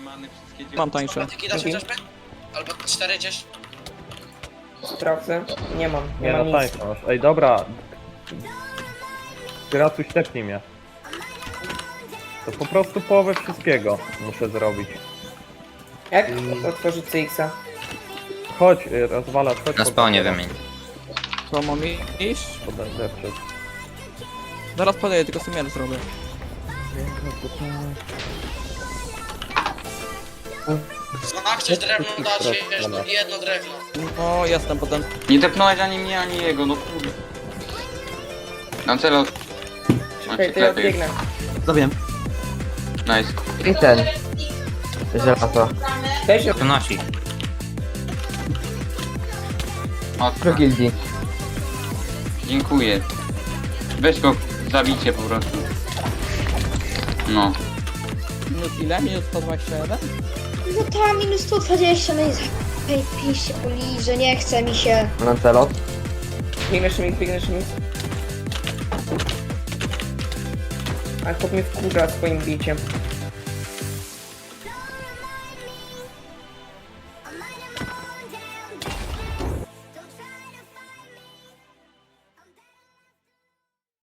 many, wszystkie dzieci. Mam tańsze. Patyki dasz chociażby? Albo 4 gdzieś? Sprawdzę. Nie mam, nie Nie mam no, nic. tańsze masz. Ej, dobra. Gracuś, tepnij mnie. To po prostu połowę wszystkiego muszę zrobić. Jak otworzyć CX-a? Chodź, rozwalacz, chodź. Na spawnie wymień. To mam iść? Podeprzeć. Zaraz podaję, tylko sumier zrobię. No, chcesz drewno dać, wiesz, jedno drewno. No, jestem potem. Nie tepnąłeś ani mnie, ani jego, no kurde. Lancelot. Okej, to ja odbiegnę. Zabiłem. Nice. I ten. Żelazo. Weź To nasi. O, Pro gildii. dziękuję. Weź go, zabijcie po prostu. No. Minut ile? Minut 121? No ta minus 120, no i zajebiście poliże, nie chce mi się. Lancelot. Biegnesz mi, biegnesz mi. Ale chłop mnie wkurza swoim biciem.